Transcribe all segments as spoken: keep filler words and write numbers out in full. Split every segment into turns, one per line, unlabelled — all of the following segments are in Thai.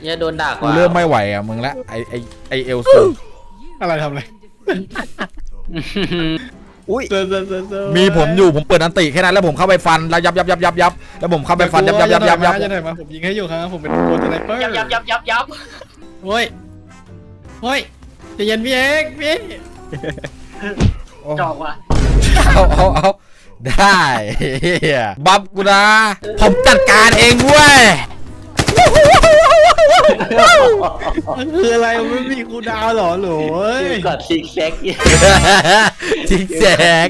อย่าโดนด่ากู
เริ่มไม่ไหวอ่ะมึงละไอไอไอเอลซู
อะไรทำอะไร
อุ้ย
มีผมอยู่ผมเปิดอันติแค่นั้นแล้วผมเข้าไปฟันแล้วยับยับยับยับยับแล้วผมเข้าไปฟันยับยับยับยับยับ
จะไหนมาผมยิงให้อยู่ครับผมเป็นโปรสไนเปอร์
ยับยับยับยับยับ
โอ้ยโอ้ยจะเย็นพี่เอกพี่
จอกว่ะ
เอาเอาเอาได้บัฟกูนะผมจัดการเองเว้ย
คืออะไรไม่มีคูดาวหรอหร
อกดซิกแซก
ซิกแซก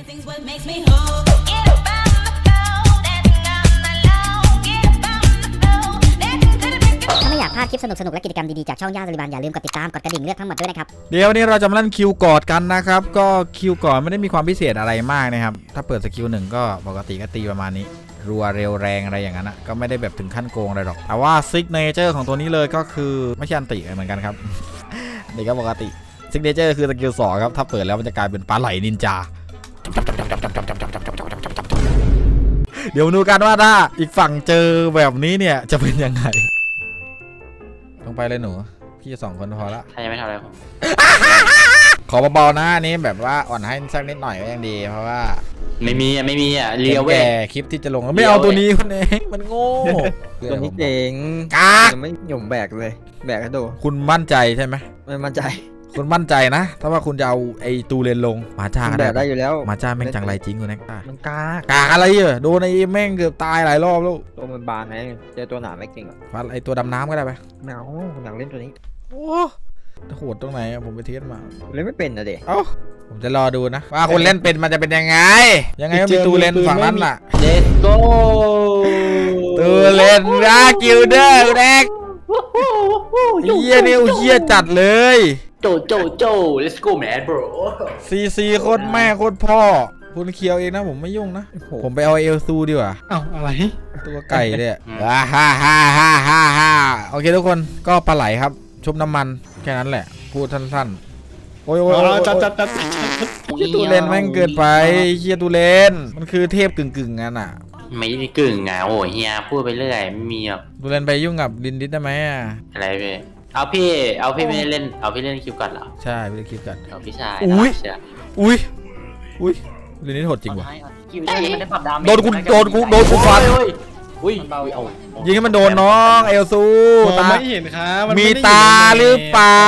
ถ้าไม่อยากพลาดคลิปสนุกๆและกิจกรรมดีๆจากช่องย่าสลิบันอย่าลืมกดติดตามกดกระดิ่งเลือกทั้งหมดด้วยนะครับ
เดี๋ยวนี้เราจะมาเล่นคิวกอดกันนะครับก็คิวกอดไม่ได้มีความพิเศษอะไรมากนะครับถ้าเปิดสกิลหนึ่งก็ปกติก็ตีประมาณนี้รัวเร็วแรงอะไรอย่างนั้นนะก็ไม่ได้แบบถึงขั้นโกงอะไรหรอกแต่ว่าซิกเนเจอร์ของตัวนี้เลยก็คือไม่ใช่อันติเหมือนกันครับนี่ก็ปกติซิกเนเจอร์คือสกิลสองครับถ้าเปิดแล้วมันจะกลายเป็นปลาไหลนินจาเดี๋ยวดูกันว่าถ้าอีกฝั่งเจอแบบนี้เนี่ยจะเป็นยังไงต้องไปเลยหนูพี่สองคนพอละ
ใครยังไม่ทำอะไรผม
ขอเบาๆนะนี้แบบว่าอ่อนให้สักนิดหน่อยก็ยังดีเพราะว่า
ไม่มีอ่ะไม่มีอ่ะเลี้ยว
แก่คลิปที่จะลงไม่เอาตัวนี้คนเองมันโง่
ตัวนี้เจ๋ง
กาก
ไม่หย่มแบกเลยแบกกระโดด
คุณมั่นใจใช่ไหม
ไม่มั่นใจ
คุณมั่นใจนะถ้าว่าคุณจะเอาไอ้ตูเลนลงมาจ้า
แบกได้อยู่แล้ว
มาจ้าแม่งจังไรจริงกูแน็กตา
มันกาก
กากอะไรอ่ะโดนไอ้แม่งเกือบตายหลายรอบแล้ว
ตัวมันบานไงเจอตัวหนาไม่เก่งอ่ะ
ฟันไอ้ตัวดำน้ำก็ได้ไป
ไม่เอาอยากเล่นตัวนี้
โอ้โหดตรงไหนผมไปเทสมา
เล่นไม่เป็นนะเด็ก
เอ้าผมจะรอดูนะว่าคนเล่นเป็นมันจะเป็นยังไงยังไงก็มีตูเลนฝั่งนั้นล่ะ
Let's go
ตูเลนนะกิลเดอร์แน็กเฮียเนี่ยเฮียจัดเลย
โจโจโจ let's go man bro
ซีซีโคตรแม่โคตรพ่อคุณเคียวเองนะผมไม่ยุ่งนะผมไปเอาเอลซูดีกว่า
เอ้าอะไร
ตัวไก่เนี่ยฮ่าฮ่าฮ่าฮ่าฮ่าฮ่าโอเคทุกคนก็ปลาไหลครับชุบน้ำมันแค่นั้นแหละพูดสั้นๆโอ้ยโอ้ย
จัดจัดจัด
ตูเลนแม่งเกินไปเฮียตูเลนมันคือเทพกึ่งกึ่งงั้นอ่ะ
ไม่ได้กึ่งอ่ะโอ้เฮียพูดไปเรื่อยไม่มีหรอก
ตูเลนไปยุ่งกับลินดิสได้ไหมอ่ะ
อะไรพี่เอาพี่เอาพี่ไม่ได้เล่นเอาพี่เล่นคิวก่อนเหรอ
ใช่พี่เล่นคิวก่อน
เอาพี่ชาย
อุ้ยอุ้ยอุ้ยลินดิสโหดจริงว่ะโดนกูโดนกูโดนกูฟัน
อุ้ย
ยิงให้มันโดนน้องเอลซู
ตาไม่เห็นครับ
มีตาหรือเปล่า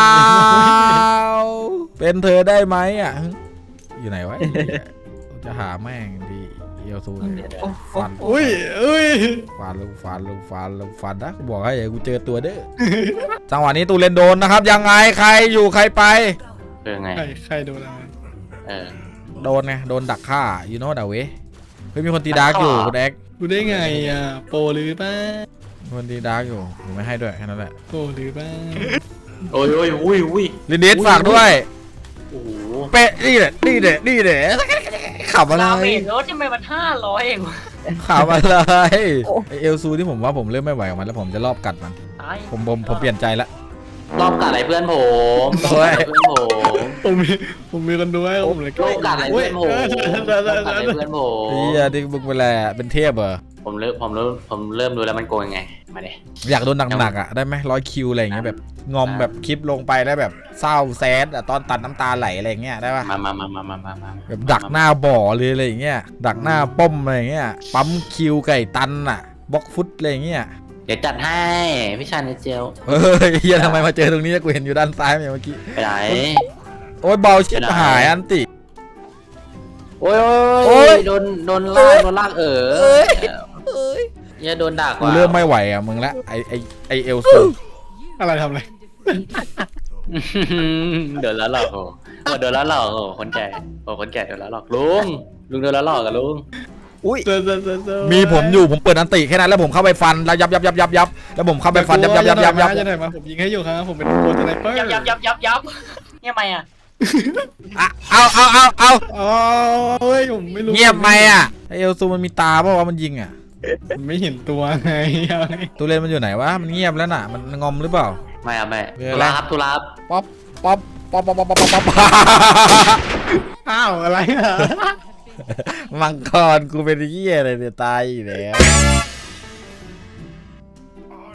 เป็นเธอได้ไหมอ่ะอยู่ไหนวะจะหาแม่งดีเอลซูฟัน
อุ้ยอุ้ย
ฟันลูกฟันลูกฟันลูกฟันนะบอกให้กูเจอตัวเด้อจังหวะนี้ตูเลนโดนนะครับยังไงใครอยู่ใครไป
เป็นไง
ใครโดนอะไร
เออ
โดนไงโดนดักฆ่ายูโน่ดาเวเฮ้ยมีคนตีดาร์กอยู่คุณแอ็ก
ดูได้ไงอ่ะโปรหรือเปล่า
คนตีดาร์กอยู่ผมไม่ให้ด้วยแค่นั้นแหละ
โปรหรือเปล่า
โอ้ยโอ้ยอุ้ยอุ้ย
ลินดิสฝากด้วยโอ้เป๊ะนี่แหละนี่แหละนี่แหละขับอะไร
รถจะไม่มันห้าร้อยเอง
ขับอะไรเอลซูที่ผมว่าผมเริ่มไม่ไหวกับมันแล้วผมจะรอบกัดมันผมผมผมเปลี่ยนใจละ
รอบกัดอะไรเพื่อนผมรอบกัดอะไรเพื่อนผม
ผมมีผมมีกันด้วยผมเลย
รอบกัดอะไรเพื่อนผมรอบกัดอะไรเพื่อนผม
เฮียที่มึงเป็นอะไรเป็นเทพเหรอ
ผมเริ่มผมเริ่มผมเริ่มดูแล้วมันโกงยังไงมาเลย
อยากโดนหนักๆอ่ะได้ไหมร้อยคิวอะไรอย่างเงี้ยแบบงอมแบบคลิปลงไปแล้วแบบเศร้าแซดอ่ะตอนตัดน้ำตาไหลอะไรอย่างเงี้ยได้ป่ะ
มามามามามามา
แบบดักหน้าบ่อเลยอะไรอย่างเงี้ยดักหน้าป้อมอะไรอย่างเงี้ยปั๊มคิวไก่ตันอ่ะบล็อกฟุตอะไรอย่างเงี้ย
เดี๋ยวจัดให้พี่ชายในเจล
เฮ้ยเฮียทำไมมาเจอตรงนี้กูเห็นอยู่ด้านซ้ายเมื่อกี้
ไปไหน
โอ้ยเบาชิบหายอันติ
โอ้ยโอ้ยโดนโดนลากโดนลากเอออย่าโดนด่ากู
เริ่มไม่ไหวอ่ะมึงละไอไอไอเอลซู
อะไรทำอะไร
เดินแล้วหรอกโอ้เดินแล้วหรอกโอ้คนแก่โอ้คนแก่เดินแล้วหรอกลุงลุงเดินแล้วหรอกกับลุง
อุ้ยมีผมอยู่ผมเปิดอันติแค่นั้นแล้วผมเข้าไปฟันแล้วยับยับยับยับยับแล้วผมเข้าไปฟันยับยับยับยับยับ
จะไหนมาผมยิงให้อยู่ครับผมเป็นโปรสไนเปอร์
ยับยับยับยับยับเนี่ยทำไมอ่ะ
เอาเอาเอาเอา
เอาเฮ้ยผมไม่รู้
เงียบไหมอ่ะไอเอลซูมันมีตาเพราะว่ามันยิงอ่ะ
ไม่เห็นตัวไง
ตัวเลนมันอยู่ไหนวะมันเงียบแล้วน่ะมันงอมหรือเปล่า
ไม่อะไม่ตุลาครับตุลา
ป๊อปป๊อปป๊อปป๊อปป๊อปป๊อปป๊อป
อ้าวอะไรอ่ะ
มังกรกูเป็นเหี้ยอะไรเนี่ยตายอีกแล้ว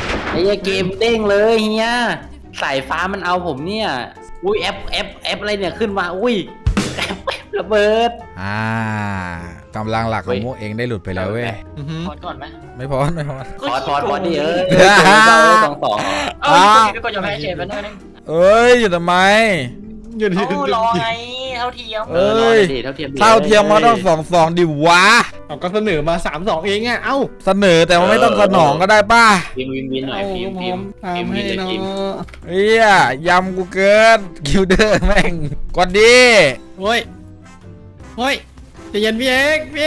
ไอ้เหี้ยเกมเด้งเลยเฮียสายฟ้ามันเอาผมเนี่ยอุ้ยแอปแอปแอปอะไรเนี่ยขึ้นมาอุ้ยแอปแอประเบิด
อ่ากำลังหลักของพวกเองได้หลุดไปแล้วเว้ย
อือหือ
พอดก่อนไหม
ไม่พอไม่พอ
พอดพอดพอดดิเอ้ย
เออ
สองสอง
เอ้ยพี่กดยอมแพ้เฉยไปหน่อยนึง
เอ้ยอยู่ทำไม
หยุดหยุดห
เอ้า
ยุด
รอไงเท่าเทียม
เอ้ย
ดิเท่าเทียมดิ
เท่าเทียมมาต้องสองสองดิวะ
เอาก็เสนอมาสามสองเองอ่ะเอ้า
เสนอแต่ว่าไม่ต้องสนองก็ได้ป่ะ
วินวินวินหน่อย
เอา
ฟิล์ม
ผ
ฟิล์ม
ม
ฟิล์ม
ทำให้
วินเลย
เนา
ฟิล์ม
ะ
เฮียยำกูเกินคิวเดอร์แม่งกดดี
เฮ้ยเฮ้ยใจเย็นพี่เอกพี่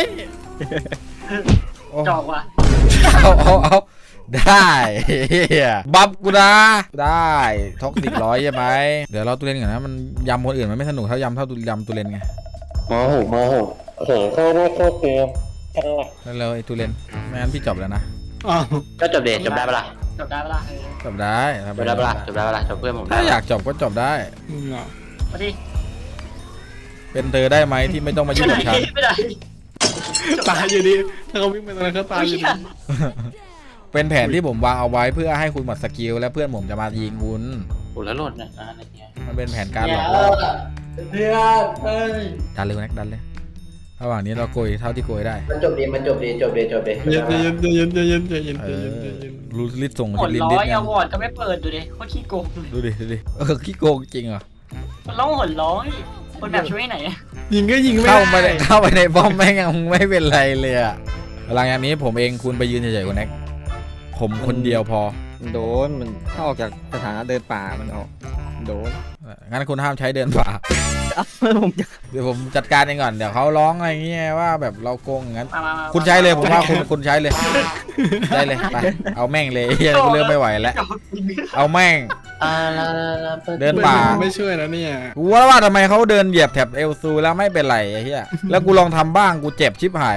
จอกว่ะ
เอาเอาเอาได้เฮียบัฟกูนะได้ท็อกซิกร้อยใช่ไหมเดี๋ยวเราตุเรนก่อนนะมันยำคนอื่นมันไม่สนุกเท่ายำเท่าตุยำตุเรนไง
โมโหโมโหโอ้โหโคตรโคตรเกม
แล้วเราไอ้ตุเรนไม่งั้นพี่จบแล้วนะ
อ้าว
ก็จบเดทจบได้ปะล่ะ
จบได้ปะล่ะเออ
จบได้
จบได้ปะล่ะจบได้ปะล่ะจบเพื่อนผมได้
ถ้าอยากจบก็จบได้
อืมเหรอ
มาดิ
เป็นเธอได้ไหมที่ไม่ต้องมายุ่งกับฉัน
ไม่ได้
ตายอยู่ดีถ้าเขาวิ่งไปตรงนั้นเขาตายอยู่ดี
เป็นแผนที่ผมวางเอาไว้เพื่อให้คุณหมดสกิลและเพื่อนผมจะมายิงคุณ
โอ้แล้วโหลดเนี่ยอะไรเงี้ย
มันเป็นแผนการหล
เนี่ย
อกล่อ
เพื่อนเฮ้ย
ดันเลยแน็กดันเลยระหว่างนี้เราโกยเท่าที่โกยได้
มันจบดีมันจบดีจบดีจบดี
ใจเย็นใจเย็นใจเย็นใจเย็น
เอ
ใจ
อ
เย็นใจเย็น
รูลิสส่ง
หมด
ลิน
ร้
ดิส
อย
ไง
อวอร์ดก็ไม่เปิดดูดิโคตรขี้โกง
ดูดิดูดิเออขี้โกงจริงเหรอ
มันร้องหนร้อยคนแบบช่วยไหน
ยิงก็ยิงไม่
เข้าไป
ได้
เข้าไปในป้อมแม่งยังไม่เป็นไรเลยอะหลังจากนี้ผมเองคุณไปยืนเฉยๆกับแน็กผมคนเดียวพอ
มันโดนมันถ้าออกจากสถานะเดินป่ามันออกโดน
งั้นคุณห้ามใช้เดินป่า
เอ้าผมจะ
เดี๋ยวผมจัดการเองก่อนเดี๋ยวเขาร้องอะไรเงี้ยว่าแบบเราโกงอย่างนั้น
มามามา
คุณใช้เลยผมว่าคุณคุณใช้เลยใช้เลยไปเอาแม่งเลยเฮียกูเริ่มไม่ไหวแล้วเอาแม่ง
อ่า
เดินป่า
ไม่ช่วยแล้วเนี่ย
กูว่าว่าทำไมเขาเดินเหยียบแถบเอลซูแล้วไม่เป็นไรไอ้เหี้ยแล้วกูลองทำบ้างกูเจ็บชิบหาย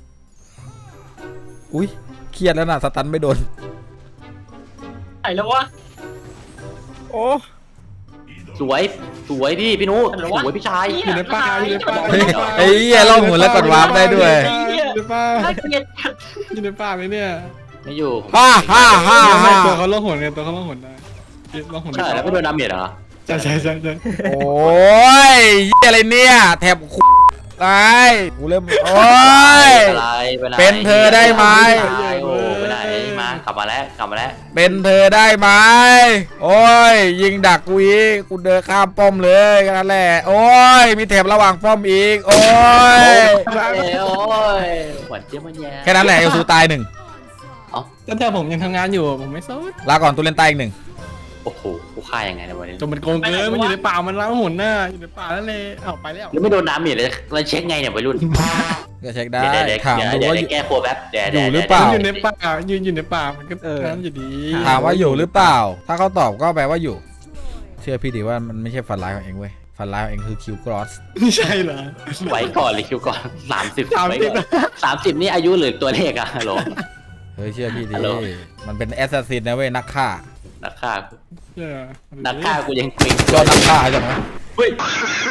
อุ้ยเครียดแล้วนะสตันไม่โดน
ไหนแล้ววะ
โอ้
สวยสวยพี่พี่นุสวยพี่ชาย
อยู่ในป่าอยู่ในป่า
เฮ้ยไอ้เหี้ยล่องหนแล้วกดวาร์ปได้ด้วย
อยู่ในป่า
น่าเกลียด
อยู่ในป่าเลยเนี่ย
ไม่อยู่
ฮ่าฮ่าฮ่า
ไม่
ฮ่า
ตัวเขาล่องหนไงตัวเขาล่องหนได้ล่องหน
ใช่แล้วไม่โดนดาเมจเหรอ
ใช่ใช่ใช่ใช่
โอ้ยเหี้ยอะไรเนี่ยแถบคุไอ้กูเริ่มโอ้ย
อะไรไปไหน
เป็นเธอได้ไหม
โอ้ไปไหนมากลับมาแล้วกลับมาแล้ว
เป็นเธอได้ไหมโอ้ยยิงดักกูอีกกูเดินข้ามป้อมเลยแค่นั้นแหละโอ้ยมีแถบระหว่างป้อมอีกโอ้ย
โอ้ยหวานเจี๊ยบมันแย่
แค่นั้นแหละเอลซูตายหนึ่ง
ตั้งแต่ผมยังทำงานอยู่ผมไม่ซด
ลาก่อนตุเรนตายอีกหนึ่ง
โอ้โหกูฆ่ายังไงในวันนี้
จนมันโกงเกินมันอยู่ในป่ามันล้างหนหน้าอยู่ในป่าแล้วเลยเอาไปแล้ว
แล้วไม่โดนดาเมจเลยเราเช็คไงเนี่ยวัยรุ่น
ก็เช็คได้
เดี๋ยวเดี๋ยว
ถาม
เดี๋ยว
ดู
เดี๋ยว
ว่า
แก้ครัวแป๊บเดี๋ยว
อยู่หรือเปล่า
มันอยู่ในป่ายืนอยู่ในป่ามันก็นั้นอยู่ดี
ถามว่าอยู่หรือเปล่า ถ้าเขาตอบก็แปลว่าอยู่ เชื่อพี่ดิว่ามันไม่ใช่ฝันร้ายของเองเว้ยฝันร้ายของเองคือคิวกรอส
ไม่ใช่เหรอ
ไว้ก่อนเลยคิวก่อนสามสิบ
สาม
ไว้
สิบ
ก่อนสามสิบนี่อายุหรือตัวเลขอะฮัลโหล
เฮ้ยเชื่อพี่ดิ
ฮัลโหล
มันเป็นแอสซัสซินนะเว้ยนักฆ่า
นักฆ่ากู
เออ
นักฆ่ากูยังเกรง
ยอดนักฆ่าจังวะ
เฮ้ย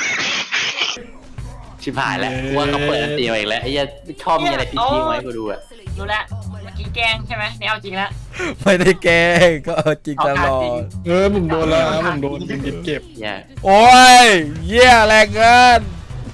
ชิบหายแล้วกูว่าเขาเปิดอันตีมาอีกแล้วไอ้เหี้ยชอบมีอะไรพีคๆไว้กูดูอะ
รู้แล้วเมื่อกี้แกล้งใช่ไหมเนี่ยเอาจริงแล้ว
ไม่ได้แกล้งก็เอาจริงตลอด
เออผมโดนแล้วผมโดนยิงยิงเก็บ
เนี่ย
โอ้ยเยี่ยแรงเกิน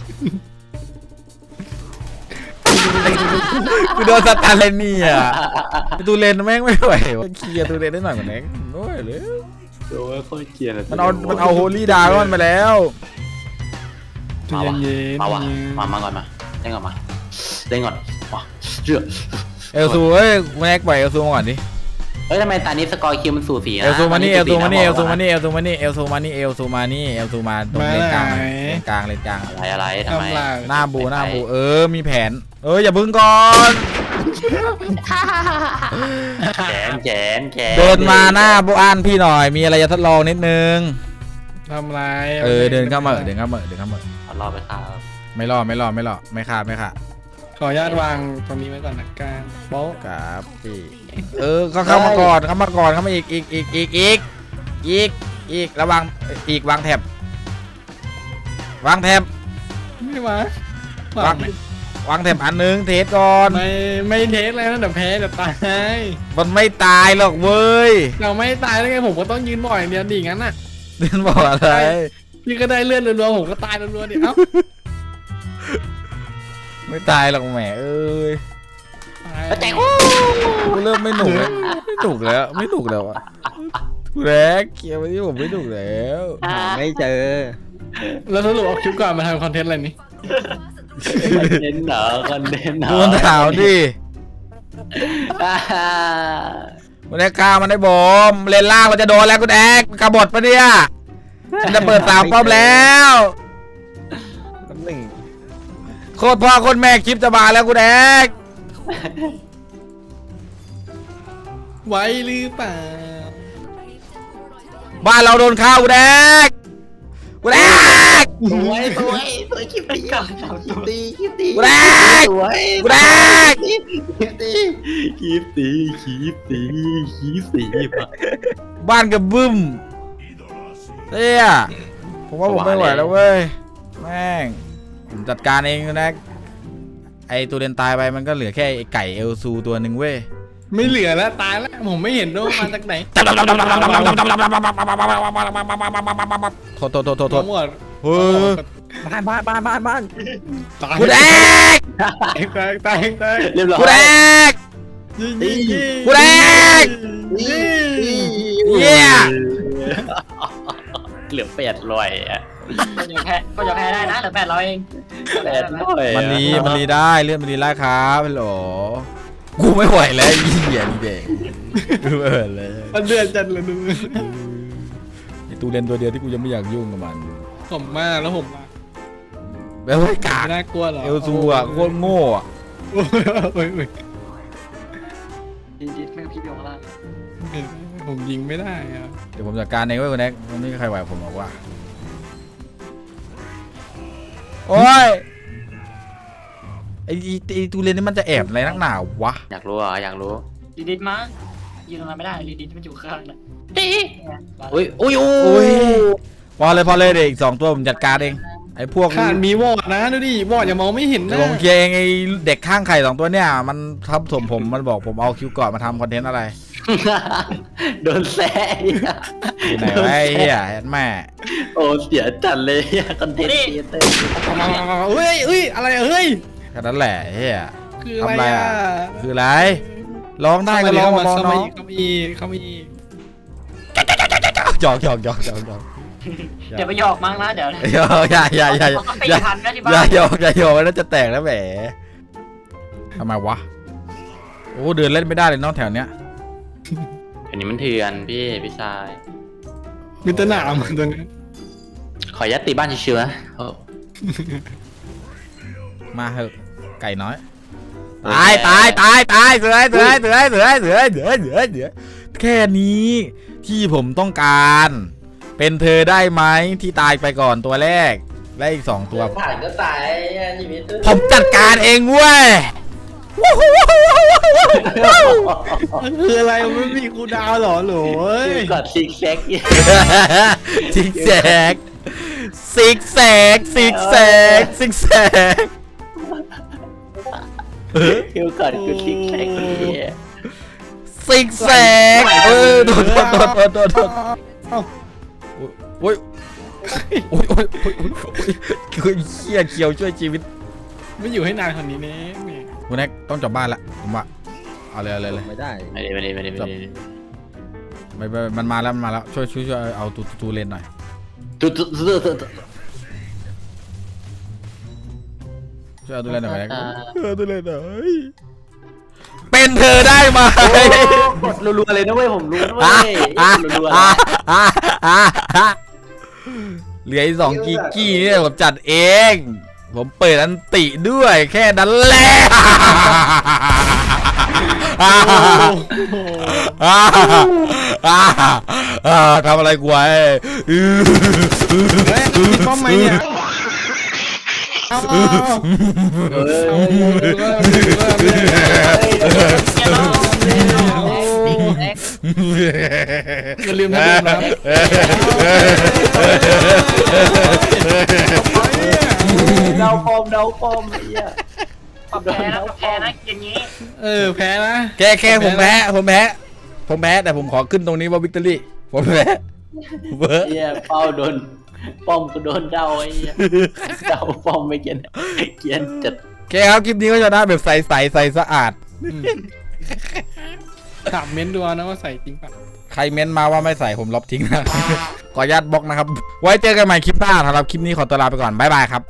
กูโดนสตันเลยเนี่ยตูเลนแม่งไม่ไหววะเคลียร์ตูเลนได้หน่อยกว่านี้โอ้ยเลย
โอ้ยโคตรเกลียดเลย
มันเอามันเอาโฮลี่ดาก้อนไปแล้ว
ใจเย็น
มาว่ะมามาก่อนมาเล่นก่อนมาเล่นก่อนมาเชื่อ
เอลซูเอ้ยแม็กปล่อยเอลซูมาก่อนดิ
เฮ้ยทำไมตอนนี้สกอร์คิวมันสูสีนะ
เอลซูมานี่เอลซูมานี่เอลซูมา
นี่
นี่เอลซูมานี่เอลซูมานี่เอลซูมานี่เอลซูมาตรงเลนกลางเลนกลางเลนกลาง
อะไรอะไรทำไม
ทำลาย
หน้าบูหน้าบูเออมีแผน เอออย่าพึ่งก่อน
แขนแขนแขน
เดินมาหน้าบูอ่านพี่หน่อยมีอะไรจะทดลองนิดนึง
ทำไร
เออเดินเข้ามาเดินเข้ามาเดินเข้ามา
เอารอไปครับ
ไม่รอดไม่รอดไม่รอดไม่ขาดไม่ขาด
ขออนุญาตวางตรงนี้ไว้ก่อนนะการโป๊ะ
ครับพี่เออก็เข้ามาก่อนเข้ามาก่อนเข้ามาอีกอีกอีกอีกอีกอีกอีกระวังอีกวางแถบวางแถบ
ไม่มา
วางวางแถบอันนึงเทสก่อน
ไม่ไม่เทสแล้วนะเดี๋ยวแพ้เดี๋ยวตาย
มันไม่ตายหรอกเว้ย
เราไม่ตายแล้วไงผมก็ต้องยืนบ่อยอย่างเดียวดิงั้นน่ะ
เดินบอกอะไร
พี่ก็ได้เลื่อนรัวๆผมก็ตายรัวๆดิเอ้า
ไม่ตายหรอกแหมเอ้ย
ตาย
แต่
กูเริ่มไม่หนุกแล้วไม่หนุกแล้วไม่หนุกแล้วอะแรกเกียร์วันนี้ผมไม่หนุกแล้ว
หาไม่เจอ
แล้วสรุปเอาคลิปก่อนมาทำคอนเทนต์อะไรนี่
คอนเทนต์เหรอคอนเทนต์เหรอ
โดนถามดิ วันนี้กล้ามันได้บอมเลนล่างเราจะโดนแล้วกูแดกกระบดปะเนี่ยจะเปิดสามป้อมแล้ว
น้ำหนึ่ง
โคตรพ่อโคตรแม่คลิปจะมาแล้วกูแดก
ไว้หรือเปล่า
บ้านเราโดนข้าวกูแดกกูแดก
สวยสวยสวยคลิปตีคลิปตีคลิปตี
กูแดก
สวย
กูแดก
คลิปตีคลิปตีคลิปตีคลิปตีคลิปตี
บ้านกับบึ้มเตี้ยผมว่าผมไม่ไหวแล้วเว้ยแม่งผมจัดการเองนะไอตัวเดนตายไปมันก็เหลือแค่ไอไก่เอลซูตัวหนึ่งเว้ย
ไม่เหลือแล้วตายแล้วผมไม่เห็นด้วยมาจากไหน
โทษโทษโทษโทษโทษ
หมด
เฮ้ย
บ้านบ้านบ้านบ้านบ้าน
ตาย
กูแดก
ตายตายตายตาย
เรียบร้อย
กูแดก
ยิงยิงยิง
กูแดก เหี้ย
เหลือแปดร้อยอ่ะ
ก็จะแพ้ก็จะแพ้ได้นะเหลือแปดร้อยเอง
แปดร้อย
มันรีมันรีได้เลื่อนมันรีได้ครับฮัลโหลกูไม่ไหวแล้วไอ้เหี้ยนี่เด็กกูไม่ไหวแล้ว
มันเดือดจัดเลยดู
ไอตูเลนตัวเดียวที่กูยังไม่อยากยุ่งกับมัน
ผมมากแล้วผม
แบบว่ากาก
น่ากลัวเหรอ
เอลซูอ่ะโคตรโง่อ่ะ
โอ้ยโอ้ยโอ้ย
ดิดิแม่งพี่เบลข้างล่าง
ผมยิงไม่ได้อะ
เดี๋ยวผมจัดการเองเว้ยคุณแน็กมันไม่มีใครไหวผมหรอกว่าโอ้ยไอไอ้ไอตูเลนนี่มันจะแอบอะไรนักหนาวะ
อยากรู้อ่ะอยากรู้
ดิดิมายืนตรงนั้นไม่ได้ดิดิมันอยู่ข้างน่ะ
อุ้ยอุ้ย
อุ้ยพอเลยพอเลยเด็กอีกสองตัวผมจัดการเองไอพวก
ขาดมีวอดนะดูดิวอดอย่ามองไม่เห็น
เดี๋ย
นะ
วผมเคลียร์เองไอเด็กข้างไข่สองตัวเนี่ยมันทับถมผมมันบอกผมเอาคิวก่อนมาทำคอนเทนต์อะไร
โดนแซ่
อยู่ไหนวะไอ้เหี้ยแม่
โอ้เสียจัดเลยคอนเทนต์ครีเอเตอร์
เฮ้ยเฮ้ยอะไรเฮ้ย
แค่นั้นแหละไอ้เหี้ย
คืออะไร
ทำอะไร
อ่ะ
อ่ะ คืออะไรร้องได้ก็ร้องมาร้อง
เข้า
น้
มา
อง
อีกเข้ามาอีกเข้ามาอีก
หยอกหยอกหยอกหยอกหยอก
เดี๋ยวไปหยอกมั้งนะเดี๋ยว
หยอกอย่าอย่าอย่าอย่า
เอาไป
อย่า
ทันนะที่
อย่า
บ้าน
หยอกอย่าหยอกแล้วจะแตกแล้วแหมทำไมวะโอ้เดินเล่นไม่ได้เลยน้องแถวเนี้ย
อันนี้มันเถื่อนพี่พี่ชาย
มีแตหนามตัวนี้
ขอยัดตีบ้านเชื้อๆนะโอ้
มาเหอะไก่น้อยตายตายตายตายเสือเสือเสือเสือเสือเสือเสือเสือแค่นี้ที่ผมต้องการ เป็นเธอได้ไหมที่ตายไปก่อนตัวแรกและอีกสองตัว
ผ่านก็ตายชีวิต
ผมจัดการเองเว้ย
คืออะไรมันไม่มีคูลดาวน์เหรอโหลย
กดซิกแซก
ซิกแซกซิกแซกซิกแซกซิกแซก
คิวก่อนกูซิกแซกคนนี้
ซิกแซกเออโดนโดนโดนโดนโดนโดนโอ้ยโอ้ยโอ้ยโอ้ยโอ้ยโอ้ยเขี้ยเขียวช่วยชีวิต
ไม่อยู่ให้นานคนนี้แน่แม่
คุณแน็กต้องจบบ้านละผมว่าเอาเลยเอาเลยเลย
ไม่ได้
ไม่ได้ไม่ได้ไม่ได้ไม่ได้
ไม่ไม่มันมาแล้วมันมาแล้วช่วยช่วยช่วยเอาตูตูเลนหน่อย
ตุ๊ดตุ๊ดตุ๊ดตุ๊ด
ช่วยเอาตูเลนหน่อยไหมเออตูเลนหน่อยเป็นเธอได้ไหม
กดรัวๆเลยนะเว้ยผมรู้นะเว้
อ่ะ
ย
อ่ะ
รัว
อ่ะอ่ะอ่ะอ่ะเหลืออีกสองกิกกี้เนี่ยผมจัดเอง ผมเปิดอันติด้วยแค่นั้นแหละทำอะไรกูไว้
เฮ้ยมีป้อมไหมเนี่ยเอาเอาเอา
ๆเออ
อย่าลืมนะลืมนะ
เดาปอมเดาปอมไอ้เหี้ย
ปรับแพ้นะปรับแพ้นะอย่างนี้
เออแพ้นะ
แค่แค่ผมแพ้ผมแพ้ผมแพ้แต่ผมขอขึ้นตรงนี้ว่าวิกตอรี่ผมแพ้เบอร์
เหี้ยเป้าโดนป้อมก็โดนเดาไอ้เหี้ยเดาป้อมไม่เกียนเกียนจัด
แค่ครับคลิปนี้ก็จะได้แบบใสใสใสสะอาด
ถามเม้นดูเอานะว่าใส่จริงป่ะ
ใครเม้นมาว่าไม่ใส่ผมลบทิ้งนะ ขออนุญาตบล็อกนะครับ ไว้เจอกันใหม่คลิปหน้าสำหรับคลิปนี้ขอตัวลาไปก่อนบ๊ายบายครับ